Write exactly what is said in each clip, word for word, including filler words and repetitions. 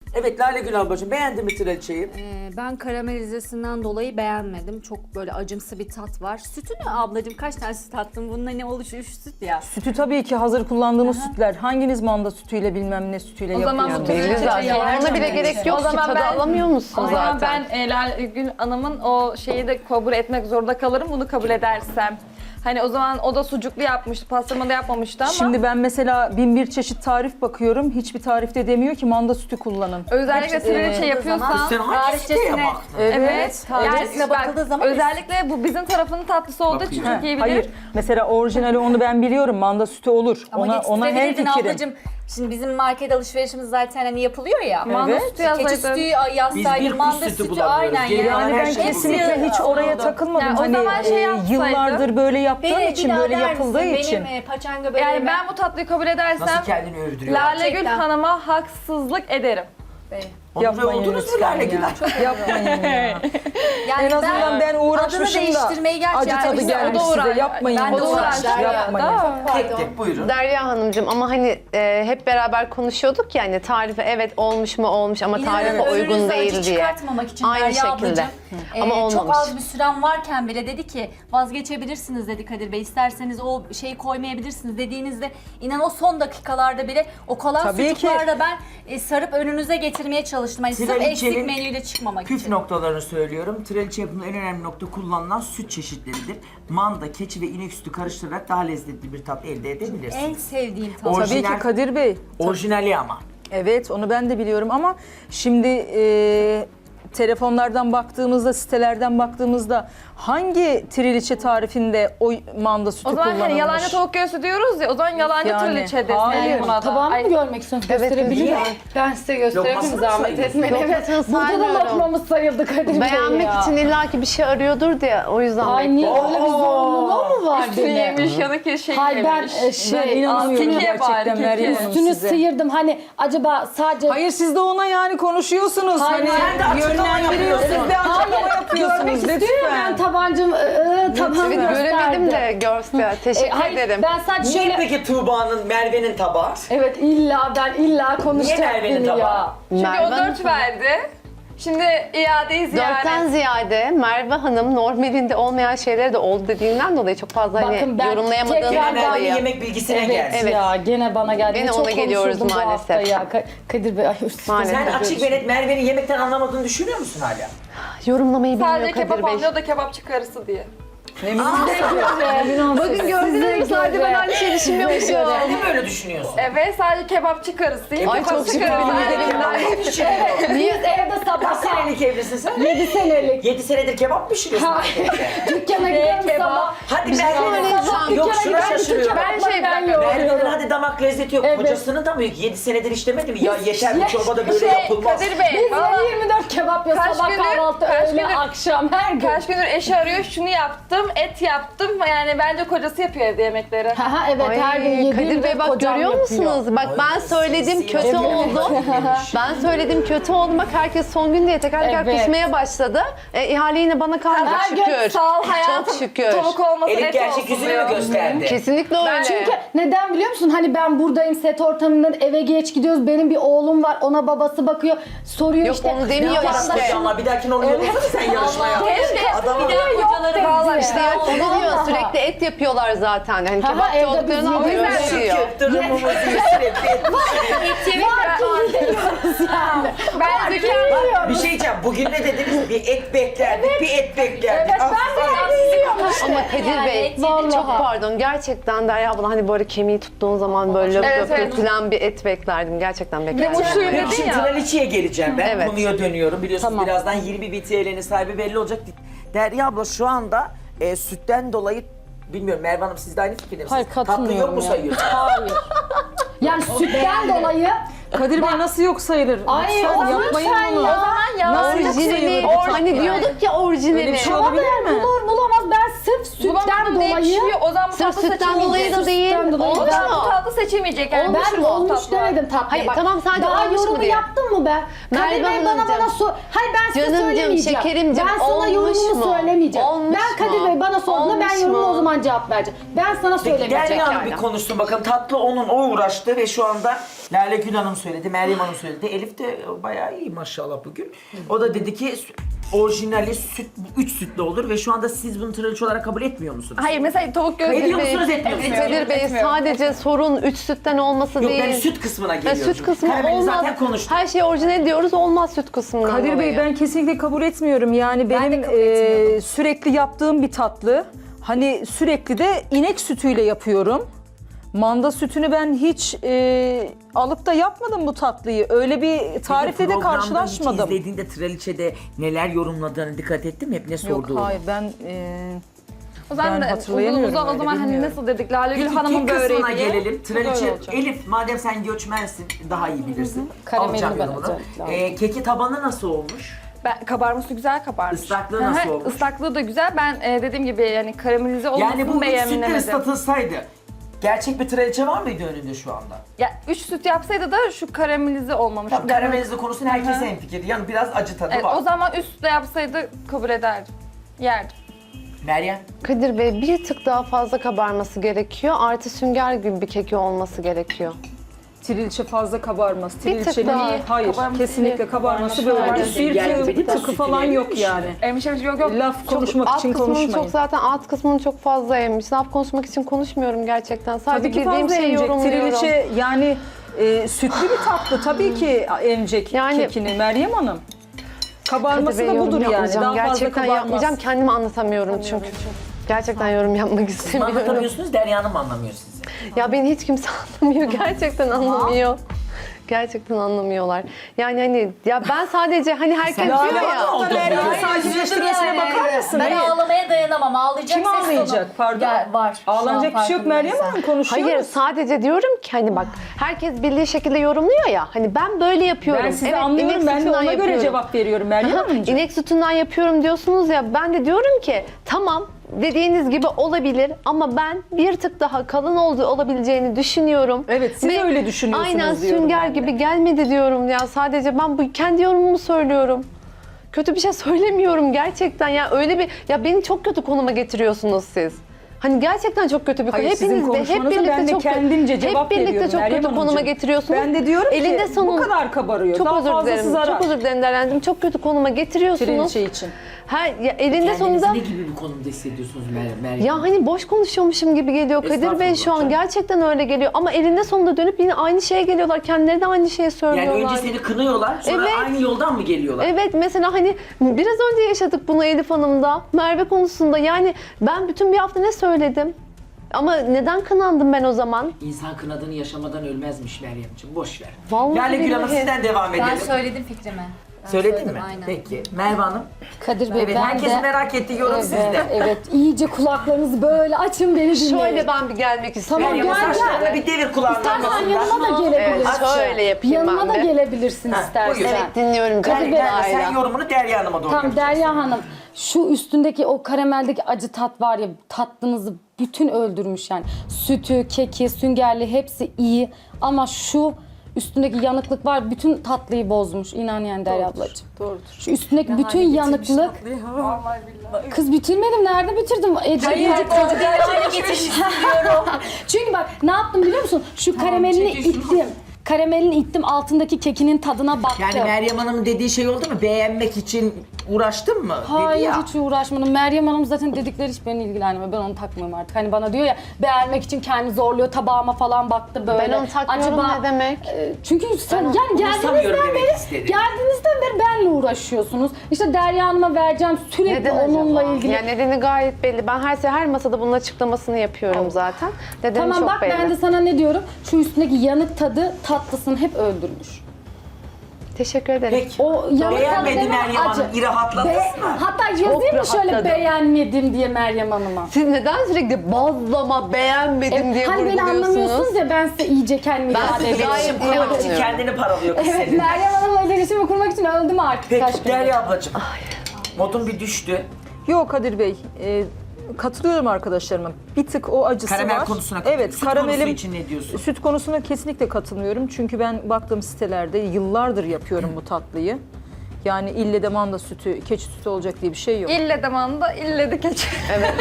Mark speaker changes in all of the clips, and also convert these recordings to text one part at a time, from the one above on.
Speaker 1: Evet Lale Gül ablacığım beğendin mi trileçeyi?
Speaker 2: Ee, ben karamelizesinden dolayı beğenmedim. Çok böyle acımsı bir tat var. Sütü ne ablacığım? Kaç tane süt attın? Bununla ne oluşuyor şu süt ya?
Speaker 3: Sütü tabii ki hazır kullandığımız sütler. Hanginiz manda sütüyle bilmem ne sütüyle
Speaker 4: O zaman
Speaker 3: yapıyor?
Speaker 4: bu
Speaker 5: Belli
Speaker 4: Sütü
Speaker 5: zaten.
Speaker 4: yalan
Speaker 5: Ona bile
Speaker 4: çok
Speaker 5: gerek
Speaker 4: belli.
Speaker 5: yok
Speaker 4: O zaman
Speaker 5: ki tadı
Speaker 4: ben-
Speaker 5: alamıyor musun
Speaker 4: O zaman
Speaker 5: zaten?
Speaker 4: ben e, Lale Gül Hanım'ın o şeyi de kabul etmek zorunda kalırım bunu kabul edersem. Hani o zaman o da sucuklu yapmıştı, pastırmalı yapmamıştı ama
Speaker 3: Şimdi ben mesela bin bir çeşit tarif bakıyorum. Hiçbir tarifte demiyor ki manda sütü kullanın.
Speaker 4: özellikle trileçe
Speaker 3: e,
Speaker 4: yapıyorsan
Speaker 1: Sen hangi siteye
Speaker 2: tarihçesine-
Speaker 1: baktın?
Speaker 4: evet.
Speaker 2: Tarifine
Speaker 4: Yani bak,
Speaker 2: bakıldığı zaman
Speaker 4: özellikle bu bizim tarafının tatlısı olduğu için
Speaker 1: Bakıyor.
Speaker 4: çok iyi bilir.
Speaker 3: Hayır. Mesela orijinali onu ben biliyorum. Manda sütü olur.
Speaker 2: Ama
Speaker 3: ona ona her
Speaker 2: getirebilirdin
Speaker 3: fikirim.
Speaker 2: ablacığım. Şimdi bizim market alışverişimiz zaten hani yapılıyor ya.
Speaker 4: Manda
Speaker 3: Evet.
Speaker 4: sütü
Speaker 2: Keçi
Speaker 4: yazsaydın.
Speaker 2: sütü
Speaker 1: Biz
Speaker 2: yazsaydın,
Speaker 1: bir kuş
Speaker 2: manda
Speaker 1: sütü
Speaker 2: sütü
Speaker 1: bulamıyoruz.
Speaker 2: aynen
Speaker 1: Geri
Speaker 2: ya.
Speaker 1: kalan
Speaker 3: Yani
Speaker 1: her
Speaker 3: ben
Speaker 1: şey
Speaker 3: kesinlikle
Speaker 2: Hepsi
Speaker 3: hiç oraya
Speaker 2: oldu.
Speaker 3: takılmadım.
Speaker 4: Yani o
Speaker 3: hani
Speaker 4: zaman şey
Speaker 3: e,
Speaker 4: yapsaydın.
Speaker 3: yıllardır böyle yaptığım
Speaker 2: Beni bir
Speaker 3: için
Speaker 2: daha
Speaker 3: böyle
Speaker 2: der
Speaker 3: yapıldığı
Speaker 2: misin?
Speaker 3: için.
Speaker 2: Benim e, paçanga böreğime.
Speaker 4: Yani ben bu tatlıyı kabul edersem
Speaker 1: Nasıl kendini övdürüyor?
Speaker 4: Lale Gül
Speaker 2: Gerçekten.
Speaker 4: Hanım'a haksızlık ederim.
Speaker 1: Onları
Speaker 3: Yapmayın
Speaker 1: oldunuz mu
Speaker 3: lütfen
Speaker 1: Lale Gül?
Speaker 3: ya. Yapmayın ya.
Speaker 2: yani
Speaker 3: En azından ben uğraşmışım
Speaker 2: adını
Speaker 3: da
Speaker 2: değiştirmeyi gerçekten
Speaker 3: acı tadı
Speaker 2: işte o
Speaker 3: gelmiş
Speaker 4: da
Speaker 3: size.
Speaker 4: uğraş-
Speaker 3: Yapmayın
Speaker 2: ben de
Speaker 3: lütfen.
Speaker 2: uğraştım ya.
Speaker 3: Yapmayın.
Speaker 1: Tek tek buyurun.
Speaker 5: Derya Hanımcığım ama hani e, hep beraber konuşuyorduk ya hani tarife evet olmuş mu olmuş ama tarife
Speaker 2: İnanın
Speaker 5: uygun
Speaker 2: önünüze
Speaker 5: değil
Speaker 2: acı
Speaker 5: diye.
Speaker 2: çıkartmamak için
Speaker 5: Aynı
Speaker 2: Derya
Speaker 5: şekilde.
Speaker 2: ablacığım, e,
Speaker 5: Ama
Speaker 2: çok
Speaker 5: olmamış.
Speaker 2: az bir süren varken bile dedi ki vazgeçebilirsiniz dedi Kadir Bey. İsterseniz o şeyi koymayabilirsiniz dediğinizde inan o son dakikalarda bile o kalan
Speaker 3: Tabii ki.
Speaker 2: sucuklarla ben e, sarıp önünüze getirmeye çalıştım. Hani sırf eksik
Speaker 1: Trileçenin
Speaker 2: menüyle çıkmamak
Speaker 1: Püf
Speaker 2: için.
Speaker 1: noktalarını söylüyorum. Trileçe yapımında en önemli nokta kullanılan süt çeşitleridir. Manda, keçi ve inek sütü karıştırarak daha lezzetli bir tat elde
Speaker 2: En
Speaker 1: edebilirsiniz.
Speaker 2: sevdiğim tat.
Speaker 1: Orijinal-
Speaker 3: Tabii ki Kadir Bey.
Speaker 1: Orijinali ama.
Speaker 3: Evet onu ben de biliyorum ama şimdi e, telefonlardan baktığımızda, sitelerden baktığımızda hangi triliçe tarifinde o manda sütü
Speaker 4: O zaman
Speaker 3: kullanılmış?
Speaker 4: hani yalancı tavuk göğsü diyoruz ya, o zaman yalancı
Speaker 3: Yani,
Speaker 4: trileçe
Speaker 3: hayır.
Speaker 4: desin buna da.
Speaker 6: Tabağını
Speaker 4: Ay,
Speaker 6: mı görmek istiyorsun?
Speaker 5: Evet,
Speaker 6: Gösterebilirim.
Speaker 1: niye?
Speaker 6: Ben size gösterebilirim
Speaker 1: Lokmasını
Speaker 6: zahmet
Speaker 1: sayıyorsun.
Speaker 6: etmeyin. Evet.
Speaker 5: Lokmasını
Speaker 6: Burada da
Speaker 5: saymıyorum.
Speaker 6: lokmamız sayıldı Kadir Bey
Speaker 5: Beğenmek
Speaker 6: ya.
Speaker 5: için illaki bir şey arıyordur diye o yüzden
Speaker 6: Ay niye
Speaker 5: bekliyorum.
Speaker 6: öyle bir zorunluluğu mu var
Speaker 4: üstünü
Speaker 6: benim?
Speaker 4: yemiş, yanık şey
Speaker 6: Hayır ben
Speaker 4: yemiş.
Speaker 6: e,
Speaker 3: Ben
Speaker 6: şey
Speaker 3: inanamıyorum
Speaker 4: kekiye
Speaker 3: gerçekten
Speaker 4: bari,
Speaker 3: Meryem
Speaker 4: kekiye.
Speaker 3: Hanım
Speaker 6: üstünü
Speaker 3: size.
Speaker 6: sıyırdım. Hani acaba sadece...
Speaker 3: Hayır siz de ona yani konuşuyorsunuz.
Speaker 6: Hayır,
Speaker 3: hani
Speaker 1: sen de açıklama
Speaker 3: yönlendiriyorsunuz
Speaker 1: yapıyorsun.
Speaker 3: ve açıklama
Speaker 6: Görmek
Speaker 3: yapıyorsunuz
Speaker 6: istiyorum ben
Speaker 3: lütfen.
Speaker 6: tabancım, ıı, tabağımı
Speaker 5: Evet göremedim
Speaker 6: gösterdim.
Speaker 5: de göster. Teşekkür
Speaker 6: E, hayır,
Speaker 5: ederim.
Speaker 6: ben sadece
Speaker 1: Niye
Speaker 6: şöyle...
Speaker 1: peki Tuğba'nın, Merve'nin tabağı?
Speaker 6: Evet illa ben illa konuşacak
Speaker 1: Merve'nin
Speaker 6: beni
Speaker 1: tabağı?
Speaker 6: ya.
Speaker 4: Çünkü
Speaker 5: Merve
Speaker 4: o dört verdi. Şimdi iadeyi
Speaker 5: Dörtten
Speaker 4: ziyaret.
Speaker 5: ziyade Merve Hanım normalinde olmayan şeyleri de oldu dediğinden dolayı çok fazla hani
Speaker 6: Bakın ben
Speaker 5: yorumlayamadığımdan
Speaker 6: tekrar
Speaker 1: Merve'nin
Speaker 5: dolayı.
Speaker 1: yemek bilgisine
Speaker 6: Evet,
Speaker 1: gelsin.
Speaker 6: ya gene bana geldi.
Speaker 5: Gene
Speaker 6: Çok
Speaker 5: ona geliyoruz
Speaker 6: konuşuldum bu
Speaker 5: maalesef.
Speaker 6: hafta ya. Ka- Kadir Bey ay üstüne
Speaker 5: Maalesef.
Speaker 1: Sen
Speaker 6: geliyoruz.
Speaker 1: açık ve net Merve'nin yemekten anlamadığını düşünüyor musun hala?
Speaker 5: Yorumlamayı bilmiyor
Speaker 4: Sadece
Speaker 5: Kadir
Speaker 4: kebap
Speaker 5: Bey.
Speaker 4: anlıyor da kebapçı karısı diye.
Speaker 5: Bakın gördünüz mü sadece ben aynı şeyi düşünmüyormuşum.
Speaker 1: Sen de mi öyle düşünüyorsun?
Speaker 4: Evet, sadece kebapçı karısı değil.
Speaker 5: Ay, çok
Speaker 4: kebapçı
Speaker 5: şükür
Speaker 4: karısı.
Speaker 1: Ne düşünüyorsun?
Speaker 6: Niye evde sabah
Speaker 1: Kaç senelik evlisin sen?
Speaker 6: yedi senelik.
Speaker 1: Yedi senedir kebap mı pişiriyorsun?
Speaker 6: Dükkana gidiyorum sabah.
Speaker 1: Hadi
Speaker 5: şey
Speaker 1: Merve'nin
Speaker 5: söyleyeceğim.
Speaker 1: yok
Speaker 6: Dükkana
Speaker 1: şuna
Speaker 6: gidiyorum,
Speaker 1: şaşırıyorum.
Speaker 6: Ben şey ben
Speaker 1: Merve'nin
Speaker 6: yoruyorum.
Speaker 1: hadi damak lezzeti yok.
Speaker 6: Evet.
Speaker 1: Kocasının da mı yok? Yedi senedir işlemedi mi? Ya yeter bu
Speaker 6: Yes.
Speaker 1: çorbada böyle
Speaker 4: Şey,
Speaker 1: yapılmaz.
Speaker 4: Kadir Bey,
Speaker 6: Biz
Speaker 4: valla
Speaker 6: yirmi dört kebap ya
Speaker 4: Kaç
Speaker 6: sabah
Speaker 4: gündür-
Speaker 6: kahvaltı,
Speaker 4: kaç
Speaker 6: öğle,
Speaker 4: gündür-
Speaker 6: akşam her gün.
Speaker 4: kaç gündür eşi arıyor, şunu yaptım, et yaptım. Yani bence kocası yapıyor evde yemekleri.
Speaker 6: Ha, ha, evet
Speaker 5: Ay,
Speaker 6: her gün yedi
Speaker 5: Kadir Bey bak görüyor musunuz? Bak
Speaker 1: Ay,
Speaker 5: ben söyledim
Speaker 1: sinsi
Speaker 5: kötü
Speaker 1: ya.
Speaker 5: oldu. Ben söyledim kötü oldu. Bak herkes son gün diye teker teker
Speaker 6: Evet.
Speaker 5: kusmaya başladı. E, ihale yine bana kaldı
Speaker 4: Her gün
Speaker 5: şükür.
Speaker 4: sağ ol hayatım.
Speaker 5: Çok şükür.
Speaker 4: Tavuk olmasın,
Speaker 1: Elif
Speaker 4: et
Speaker 1: gerçek
Speaker 4: olsun
Speaker 1: yüzünü
Speaker 4: diyor.
Speaker 1: mü gösterdi?
Speaker 5: Kesinlikle öyle.
Speaker 6: Çünkü neden biliyor musun? Hani ben buradayım set ortamından eve geç gidiyoruz. Benim bir oğlum var. Ona babası bakıyor. Soruyor
Speaker 5: Yok,
Speaker 6: işte.
Speaker 5: onu demiyor
Speaker 6: "Ya
Speaker 5: işte.
Speaker 6: vatandaş şunu-"
Speaker 1: Ama bir dahakine onu yapmasana sen yarışmaya.
Speaker 4: Keşke
Speaker 1: Adamı
Speaker 4: bir daha kocaları
Speaker 6: Yok
Speaker 4: bağlar.
Speaker 6: dedi.
Speaker 5: İşte yok onu diyor
Speaker 6: Vallahi.
Speaker 5: sürekli et yapıyorlar zaten. Hani
Speaker 6: Ha,
Speaker 5: kebapçı
Speaker 6: evde
Speaker 5: olduklarını
Speaker 6: biz
Speaker 5: alıyor
Speaker 6: yiyoruz.
Speaker 5: öyle diyor.
Speaker 1: Durumumuzu sürekli.
Speaker 6: yani.
Speaker 4: Ben dükkan...
Speaker 1: Bir şey diyeceğim. Bugün ne dediniz? Bir et beklerdik, bir et beklerdik.
Speaker 6: Evet ben de öyle yiyorum işte.
Speaker 5: Ama Kadir Bey
Speaker 6: Vallahi.
Speaker 5: çok pardon gerçekten Derya abla hani böyle kemiği tuttuğun zaman böyle löp
Speaker 4: Evet,
Speaker 5: löp
Speaker 4: evet.
Speaker 5: dökülen bir et beklerdim. Gerçekten beklerdim.
Speaker 4: Uçluyum
Speaker 1: Peki
Speaker 4: dedin
Speaker 1: şimdi
Speaker 4: ya.
Speaker 1: Traliçe'ye geleceğim ben.
Speaker 5: Evet.
Speaker 1: Konuya dönüyorum. Biliyorsunuz
Speaker 6: Tamam.
Speaker 1: birazdan yirmi bin T L'nin sahibi belli olacak. Derya abla şu anda e, sütten dolayı bilmiyorum Merve Hanım siz de aynı fikirde misiniz?
Speaker 6: Hayır
Speaker 1: Tatlı
Speaker 6: katılmıyorum
Speaker 1: yok mu
Speaker 6: ya.
Speaker 1: sayıyorsunuz?
Speaker 6: Hayır. Yani sütten dolayı
Speaker 3: Kadir Bey nasıl yok sayılır?
Speaker 6: Ay,
Speaker 3: Lütfen
Speaker 6: o zaman
Speaker 3: yapmayın
Speaker 6: lütfen
Speaker 3: bunu.
Speaker 6: ya.
Speaker 4: O zaman yalan.
Speaker 5: Orijinali,
Speaker 3: sayılır?
Speaker 5: hani diyorduk ya
Speaker 3: Öyle
Speaker 5: orijinali.
Speaker 3: bir şey olabilir mi?
Speaker 6: bulur bulamaz ben sırf sütten
Speaker 4: Bulamadım diye
Speaker 6: dolayı
Speaker 4: pişiriyor. O zaman bu
Speaker 5: Sırf
Speaker 4: tatlı
Speaker 5: sütten dolayı da
Speaker 4: seçemeyecek.
Speaker 5: değil.
Speaker 6: Sütten dolayı
Speaker 5: Olmuş
Speaker 4: O zaman bu
Speaker 5: mu?
Speaker 4: tatlı seçemeyecek. Yani
Speaker 6: Ben
Speaker 4: pişirme o
Speaker 6: olmuş
Speaker 4: tatlı.
Speaker 6: demedim tatlıya.
Speaker 5: Hayır,
Speaker 6: Bak,
Speaker 5: tamam, sadece
Speaker 6: daha
Speaker 5: olmuş mu
Speaker 6: yorumu
Speaker 5: diye.
Speaker 6: yaptın mı be? Kadir
Speaker 5: Merve
Speaker 6: Bey bana
Speaker 5: Hanımcığım.
Speaker 6: bana sor. Hayır ben size
Speaker 5: Canımcığım,
Speaker 6: söylemeyeceğim.
Speaker 5: şekerimcim,
Speaker 6: Ben sana
Speaker 5: olmuş
Speaker 6: yorumumu
Speaker 5: mu?
Speaker 6: söylemeyeceğim.
Speaker 5: Olmuş
Speaker 6: ben Kadir
Speaker 5: mu?
Speaker 6: Bey bana sorduğunda ben
Speaker 5: Olmuş
Speaker 6: yorumuma
Speaker 5: mu?
Speaker 6: o zaman cevap vereceğim. Ben sana
Speaker 1: Peki
Speaker 6: söylemeyeceğim.
Speaker 1: Derya Hanım
Speaker 5: yani.
Speaker 1: bir konuşsun bakalım. Tatlı onun, o uğraştı ve şu anda Lale Gül Hanım söyledi, Meryem Hanım söyledi. Elif de bayağı iyi maşallah bugün. O da dedi ki orijinali süt, üç sütlü olur ve şu anda siz bunu traliçe olarak kabul etmiyor musunuz?
Speaker 4: Hayır mesela tavuk göğsü.
Speaker 1: Ediyor musunuz, etmiyor musunuz?
Speaker 5: Kadir Bey,
Speaker 4: Etmiyorum.
Speaker 5: sadece sorun üç sütten olması
Speaker 1: Yok
Speaker 5: değil.
Speaker 1: ben süt kısmına
Speaker 5: Ha,
Speaker 1: geliyorum.
Speaker 5: süt kısmı
Speaker 1: Karameli
Speaker 5: olmaz.
Speaker 1: zaten konuştuk.
Speaker 5: Her şeyi orijinal diyoruz, olmaz süt kısmından
Speaker 3: Kadir
Speaker 5: dolayı.
Speaker 3: Bey ben kesinlikle kabul etmiyorum. Yani
Speaker 2: Ben de
Speaker 3: benim
Speaker 2: kabul etmiyorum.
Speaker 3: e, sürekli yaptığım bir tatlı. Hani sürekli de inek sütüyle yapıyorum. Manda sütünü ben hiç e, alıp da yapmadım bu tatlıyı. Öyle bir tarifle de
Speaker 1: Programda
Speaker 3: karşılaşmadım.
Speaker 1: Hiç izlediğinde traliçede neler yorumladığını dikkat ettin mi? Hep ne
Speaker 3: Yok
Speaker 1: sorduğunu.
Speaker 3: hayır ben e,
Speaker 4: O zaman,
Speaker 3: Ben
Speaker 4: da-
Speaker 3: hatırlayamıyorum
Speaker 4: o, o
Speaker 3: öyle,
Speaker 4: zaman hani
Speaker 3: bilmiyorum.
Speaker 4: nasıl dedik Lale Gül
Speaker 1: Peki
Speaker 4: Hanım'ın
Speaker 1: kek
Speaker 4: böreği
Speaker 1: kısmına
Speaker 4: diye.
Speaker 1: gelelim.
Speaker 4: Böyle
Speaker 1: Traliçe,
Speaker 4: olacak.
Speaker 1: Elif madem sen göçmensin daha iyi bilirsin.
Speaker 6: Karamelini
Speaker 1: Alacağım
Speaker 6: ben
Speaker 1: yorumunu.
Speaker 6: özellikle
Speaker 1: Ee, keki tabanı nasıl olmuş?
Speaker 4: Ben, kabarması güzel kabarmış.
Speaker 1: Islaklığı
Speaker 4: Hı hı,
Speaker 1: nasıl olmuş?
Speaker 4: Islaklığı da güzel. Ben e, dediğim gibi yani karamelize olmasını
Speaker 1: Yani bu üç sütle
Speaker 4: beğenemedim.
Speaker 1: ıslatılsaydı gerçek bir traliçe var mıydı önünde şu anda?
Speaker 4: Ya üç süt yapsaydı da şu karamelize olmamış.
Speaker 1: Tabii
Speaker 4: Yani-
Speaker 1: karamelize konusunda herkes hemfikir. Yani biraz acı tadı
Speaker 4: Evet,
Speaker 1: var.
Speaker 4: o zaman üst sütle yapsaydı kabul ederdim. Yerdim.
Speaker 1: Meryem,
Speaker 5: Kadir Bey, bir tık daha fazla kabarması gerekiyor. Artı sünger gibi bir keki olması gerekiyor.
Speaker 3: trilçe fazla kabarmaz.
Speaker 5: tık
Speaker 3: Trilçenin
Speaker 5: daha
Speaker 3: hayır
Speaker 4: kabarması
Speaker 3: kesinlikle
Speaker 4: değil.
Speaker 3: kabarması
Speaker 4: Kabarması
Speaker 3: böyle.
Speaker 4: var.
Speaker 3: Bir
Speaker 1: Sünger gibi değil mi?
Speaker 3: tık- tıkı falan yok
Speaker 1: Sütüyle
Speaker 3: yani.
Speaker 4: Emiş emiş yok yok.
Speaker 3: Laf konuşmak
Speaker 5: alt
Speaker 3: için
Speaker 5: kısmını
Speaker 3: konuşmayın.
Speaker 5: çok zaten alt kısmını çok fazla yemiş. Laf konuşmak için konuşmuyorum gerçekten. Sadece
Speaker 3: Tabii ki
Speaker 5: bildiğim
Speaker 3: fazla
Speaker 5: şeyi
Speaker 3: emecek.
Speaker 5: yorumluyorum.
Speaker 3: Trilçe yani e, sütlü bir tatlı tabii ki emecek
Speaker 5: Yani-
Speaker 3: kekini Meryem Hanım. Kabarması
Speaker 5: Kadir Bey,
Speaker 3: da
Speaker 5: yorum
Speaker 3: budur yani.
Speaker 5: yapmayacağım.
Speaker 3: Daha fazla
Speaker 5: Gerçekten
Speaker 3: kabarmaz.
Speaker 5: yapmayacağım. Kendimi anlatamıyorum çünkü. Gerçekten yorum yapmak
Speaker 1: siz mi
Speaker 5: istemiyorum.
Speaker 1: anlatamıyorsunuz, Derya Hanım mı anlamıyor sizi?
Speaker 5: Ya beni hiç kimse anlamıyor. Gerçekten anlamıyor. Gerçekten anlamıyorlar. Yani hani ya ben sadece hani herkes
Speaker 1: Sen
Speaker 5: diyor
Speaker 1: Derya
Speaker 5: ya.
Speaker 1: Hanım
Speaker 3: Da Meryem'in sakinleştirmesine bakar mısın?
Speaker 2: Ben
Speaker 3: Elif?
Speaker 2: ağlamaya dayanamam. Ağlayacak
Speaker 3: Kim
Speaker 2: ses tonu.
Speaker 3: ağlayacak? Pardon.
Speaker 2: Gel, var. Şu an
Speaker 3: Ağlanacak bir şey yok Meryem
Speaker 2: farkındaysan.
Speaker 3: Hanım, konuşuyoruz.
Speaker 5: Hayır, sadece diyorum ki hani bak herkes bildiği şekilde yorumluyor ya. Hani ben böyle yapıyorum.
Speaker 3: Ben sizi
Speaker 5: Evet,
Speaker 3: anlıyorum,
Speaker 5: inek
Speaker 3: ben de
Speaker 5: sütünden
Speaker 3: ona göre
Speaker 5: yapıyorum.
Speaker 3: cevap veriyorum Meryem
Speaker 5: Aha,
Speaker 3: Hanımcığım.
Speaker 5: İnek sütünden yapıyorum diyorsunuz ya, ben de diyorum ki tamam dediğiniz gibi olabilir ama ben bir tık daha kalın olduğu olabileceğini düşünüyorum.
Speaker 3: Evet, siz
Speaker 5: Ve
Speaker 3: öyle düşünüyorsunuz
Speaker 5: aynen
Speaker 3: diyorum
Speaker 5: sünger
Speaker 3: ben de.
Speaker 5: gibi gelmedi diyorum ya, sadece ben bu kendi yorumumu söylüyorum. Kötü bir şey söylemiyorum gerçekten ya, öyle bir ya beni çok kötü konuma getiriyorsunuz siz. Hani gerçekten çok kötü bir konu.
Speaker 3: Hayır, sizin
Speaker 5: Hepiniz de hep
Speaker 3: konuşmanıza
Speaker 5: birlikte
Speaker 3: ben de
Speaker 5: çok
Speaker 3: kendimce cevap
Speaker 5: hep birlikte
Speaker 3: veriyorum
Speaker 5: çok
Speaker 3: Meryem
Speaker 5: kötü konuma
Speaker 3: Hanımcığım.
Speaker 5: getiriyorsunuz.
Speaker 3: Ben de diyorum ki
Speaker 5: Elinde sonun-
Speaker 3: bu kadar kabarıyor.
Speaker 5: Çok
Speaker 3: Daha
Speaker 5: özür
Speaker 3: fazlası
Speaker 5: dilerim.
Speaker 3: zarar.
Speaker 5: Çok özür dilerim Derya'cığım. Çok kötü konuma getiriyorsunuz.
Speaker 3: Trilçe için.
Speaker 5: Her ya elinde
Speaker 1: Kendinizi
Speaker 5: sonunda
Speaker 1: ne gibi bir konumda hissediyorsunuz Meryem? Meryem?
Speaker 5: ya hani boş konuşuyormuşum gibi geliyor Kadir Bey, şu an
Speaker 1: Estağfurullah.
Speaker 5: gerçekten öyle geliyor ama elinde sonunda dönüp yine aynı şeye geliyorlar. Kendileri de aynı şeyi
Speaker 1: Yani
Speaker 5: söylüyorlar.
Speaker 1: önce seni kınıyorlar, sonra
Speaker 5: Evet.
Speaker 1: aynı yoldan mı geliyorlar?
Speaker 5: Evet, mesela hani biraz önce yaşadık bunu Elif Hanım'da, Merve konusunda. Yani ben bütün bir hafta ne söyledim? Ama neden kınandım ben o zaman?
Speaker 1: İnsan kınadığını yaşamadan ölmezmiş Meryemciğim, boş ver.
Speaker 5: Vallahi
Speaker 1: Yani Gül Hanım
Speaker 5: billahi.
Speaker 1: sizden devam edelim.
Speaker 2: Ben söyledim fikrimi. Ben
Speaker 1: Söyledin
Speaker 2: söyledim,
Speaker 1: mi?
Speaker 2: Aynen.
Speaker 1: Peki. Merve Hanım.
Speaker 6: Kadir Bey
Speaker 1: Evet,
Speaker 6: ben
Speaker 1: herkesin
Speaker 6: de...
Speaker 1: merak ettiği yorum
Speaker 6: Evet,
Speaker 1: sizde.
Speaker 6: evet. İyice kulaklarınızı böyle açın, beni dinleyin.
Speaker 5: Şöyle ben bir gelmek istiyorum.
Speaker 6: Tamam,
Speaker 1: Meryem
Speaker 6: gel,
Speaker 1: saçlarına
Speaker 6: gel.
Speaker 1: bir devir kulağından.
Speaker 6: İstersen yanıma da
Speaker 5: Evet,
Speaker 6: gelebilirsin.
Speaker 5: şöyle yapayım
Speaker 6: Yanıma
Speaker 5: ben
Speaker 6: da
Speaker 5: de.
Speaker 6: gelebilirsin
Speaker 1: Ha,
Speaker 6: istersen.
Speaker 1: buyur.
Speaker 5: Evet, dinliyorum.
Speaker 6: Kadir
Speaker 5: Kadir
Speaker 6: Bey,
Speaker 1: Derya,
Speaker 5: Bey.
Speaker 1: sen yorumunu Derya Hanım'a doğru
Speaker 6: Tamam
Speaker 1: yapacaksın.
Speaker 6: Derya Hanım, şu üstündeki o karameldeki acı tat var ya, tatlınızı bütün öldürmüş yani. Sütü, keki, süngerli hepsi iyi ama şu üstündeki yanıklık var, bütün tatlıyı bozmuş. İnan yani Derya ablacığım.
Speaker 3: Doğrudur.
Speaker 6: Şu üstündeki bütün yanıklık. Kız bitirmedim. Nerede bitirdim? Ece,
Speaker 2: Hayır,
Speaker 6: Ece-
Speaker 2: o derece getirmiş istiyorum.
Speaker 6: Çünkü bak ne yaptım biliyor musun? Şu karamelini ittim. Karamelini ittim, altındaki kekinin tadına baktım.
Speaker 1: Yani Meryem Hanım'ın dediği şey oldu mu? Beğenmek için uğraştın mı? Dedi
Speaker 6: Hayır,
Speaker 1: ya.
Speaker 6: hiç uğraşmadım. Meryem Hanım zaten dedikleri hiç beni ilgilenmiyor. Ben onu takmıyorum artık. Hani bana diyor ya, beğenmek için kendini zorluyor, tabağıma falan baktı böyle.
Speaker 5: Ben onu takmıyorum ne demek?
Speaker 6: E, Çünkü sen yani
Speaker 1: umursamıyorum
Speaker 6: geldiğinizden
Speaker 1: demek
Speaker 6: beri,
Speaker 1: istedi.
Speaker 6: geldiğinizden beri benle uğraşıyorsunuz. İşte Derya Hanım'a vereceğim sürekli
Speaker 5: Neden
Speaker 6: onunla
Speaker 5: acaba?
Speaker 6: ilgili.
Speaker 5: Ya nedeni gayet belli. Ben her her masada bunun açıklamasını yapıyorum zaten. Nedeni
Speaker 6: Tamam
Speaker 5: çok
Speaker 6: bak
Speaker 5: belli.
Speaker 6: ben de sana ne diyorum? Şu üstündeki yanık tadı tatlısını hep öldürmüş.
Speaker 5: Teşekkür ederim.
Speaker 1: Peki.
Speaker 6: O yanık tadı
Speaker 1: Beğenmedi
Speaker 6: deme,
Speaker 1: Meryem
Speaker 6: acı.
Speaker 1: Hanım. İyi rahatladınız
Speaker 6: Be-
Speaker 1: mı?
Speaker 6: Hatta yazayım mı şöyle
Speaker 5: rahatladım.
Speaker 6: beğenmedim diye Meryem Hanım'a?
Speaker 5: Siz neden sürekli bazlama beğenmedim diye
Speaker 6: Hani beni
Speaker 5: vurguluyorsunuz?
Speaker 6: anlamıyorsunuz ya, ben size iyice kendimi
Speaker 5: Ben
Speaker 6: ifade
Speaker 5: sizi
Speaker 6: ediyorum.
Speaker 5: gayet
Speaker 1: İletişim kurmak için
Speaker 5: anlıyorum.
Speaker 1: kendini paralıyor kız
Speaker 6: Evet,
Speaker 1: senin.
Speaker 6: Meryem Hanım'la iletişimi kurmak için öldüm artık kaç
Speaker 1: Peki
Speaker 6: gündür.
Speaker 1: Derya ablacığım. Modun bir düştü.
Speaker 3: Yok Kadir Bey, e, katılıyorum arkadaşlarıma. Bir tık o acısı
Speaker 1: Karamel
Speaker 3: var.
Speaker 1: konusuna
Speaker 3: Evet,
Speaker 1: süt
Speaker 3: karamelim,
Speaker 1: konusu için ne diyorsun?
Speaker 3: Süt konusuna kesinlikle katılmıyorum. Çünkü ben baktığım sitelerde yıllardır yapıyorum bu tatlıyı. Yani ille de manda sütü, keçi sütü olacak diye bir şey yok.
Speaker 4: İlle de manda, ille de keçi.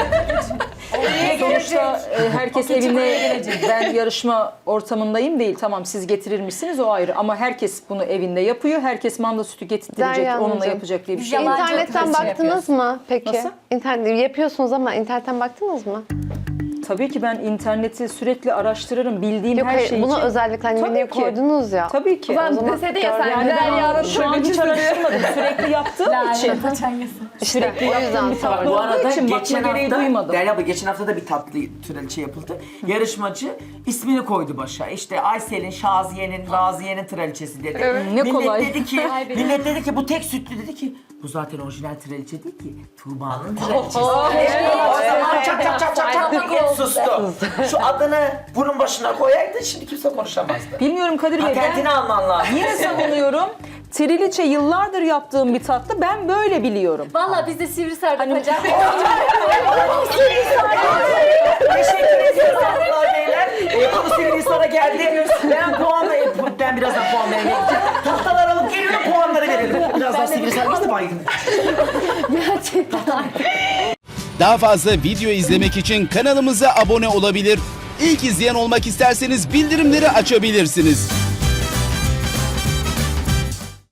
Speaker 3: Sonuçta e, herkes evinde, ben yarışma ortamındayım değil. Tamam siz getirir misiniz o ayrı. Ama herkes bunu evinde yapıyor. Herkes manda sütü getirtirecek,
Speaker 5: Derya
Speaker 3: onunla
Speaker 5: Hanımcığım,
Speaker 3: yapacak diye bir
Speaker 2: biz
Speaker 3: şey yok.
Speaker 2: yalan-
Speaker 5: İnternetten
Speaker 2: Yalancı
Speaker 5: baktınız mı peki?
Speaker 3: Nasıl?
Speaker 5: İnternet yapıyorsunuz ama internetten baktınız mı?
Speaker 3: Tabii ki ben interneti sürekli araştırırım. Bildiğim
Speaker 5: Yok
Speaker 3: her
Speaker 5: hayır,
Speaker 3: şey
Speaker 5: bunu
Speaker 3: için.
Speaker 5: özellikle hani
Speaker 3: Tabii
Speaker 5: menüye
Speaker 3: ki.
Speaker 5: koydunuz ya.
Speaker 3: Tabii ki.
Speaker 4: Ben
Speaker 5: O zaman
Speaker 4: deseydi ya sen
Speaker 5: gördüm.
Speaker 3: Yani ben
Speaker 4: Derya'nın
Speaker 3: şu an hiç
Speaker 4: traliçesi diye.
Speaker 3: araştırmadım. Sürekli yaptığım için. Sürekli
Speaker 5: o
Speaker 3: yaptığım
Speaker 5: yüzden
Speaker 3: bir tatlı
Speaker 5: sordum.
Speaker 1: Bu
Speaker 3: olduğu
Speaker 1: arada
Speaker 3: için bakma
Speaker 1: geçen
Speaker 3: gereği
Speaker 1: hafta,
Speaker 3: duymadım.
Speaker 1: Derya abla geçen hafta da bir tatlı traliçe yapıldı. Yarışmacı ismini koydu başa. İşte Aysel'in, Şaziye'nin, Raziye'nin traliçesi dedi.
Speaker 3: Ne
Speaker 1: millet
Speaker 3: kolay.
Speaker 1: dedi ki, millet dedi ki bu tek sütlü dedi ki bu zaten orijinal traliçe değil ki. Tuğba'nın traliçesi. O zaman çak çak çak çak çak millet sustu. Şu adını bunun başına koyaydın şimdi kimse konuşamazdı.
Speaker 3: Bilmiyorum Kadir Bey. Ben
Speaker 1: Patentini alman lazım.
Speaker 3: yine savunuyorum. Triliçe yıllardır yaptığım bir tatlı. Ben böyle biliyorum.
Speaker 2: Valla biz de Sivrisar'da hani, hocam.
Speaker 1: Teşekkür ediyoruz hanımlar beyler. Ee, bu sevgili sonra geldi. Ben puanla, ben birazdan puan vermeye gideceğim. Tahtalar alıp geliyorum puanları verelim. Birazdan Sivrisar biz de baygın.
Speaker 6: Gerçekten artık.
Speaker 7: Daha fazla video izlemek için kanalımıza abone olabilir. İlk izleyen olmak isterseniz bildirimleri açabilirsiniz.